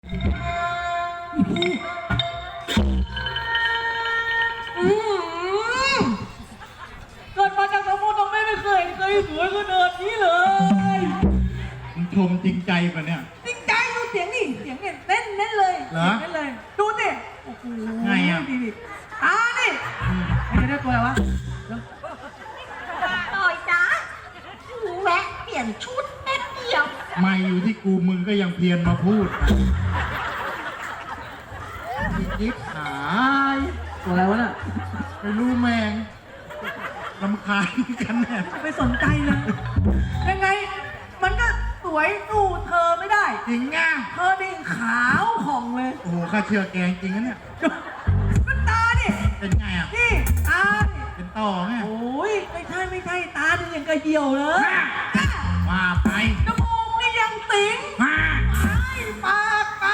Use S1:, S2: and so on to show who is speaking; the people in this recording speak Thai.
S1: เกิดมาจากสมุทรตรงไม่เคยสวยขนาดนี้เลย
S2: มึงชมจริงใจป่ะเนี่ย
S1: จริงใจดูเสียงนี่เสียงเนี่ยเน้นเลย
S2: เหรอ
S1: เน้นเลยดูสิโอ้โห
S2: ไงอ่ะ
S1: ดีนี่ไม่ได้ตัวอะไรวะ
S3: ต่อยจ้าแวะเปลี่ยนชุดแป๊บเดียว
S2: ไม่อยู่ที่กูมึงก็ยังเพียรมาพูดยิบหาย
S1: ตัวอะไรวะน่ะ
S2: ไม่รู้แมงรำคาญกันแน่
S1: ไม่สนใจเลยยังไงมันก็สวยสู้เธอไม่ได้
S2: จริงอ่ะ
S1: เธอนี่ขาวผ่องเลย
S2: โอ้โหข้าเชื่อแกงจริงนะเนี่ย
S1: ก็ตาดิ
S2: เป็นไงอ่ะ
S1: นี่ตา
S2: เป็นต่อไง
S1: โอ้ยไม่ใช่ตาดิอย่างกระเหี่ยวเลย
S2: ว่าไป
S1: จมูกนี่ยังติ๋ง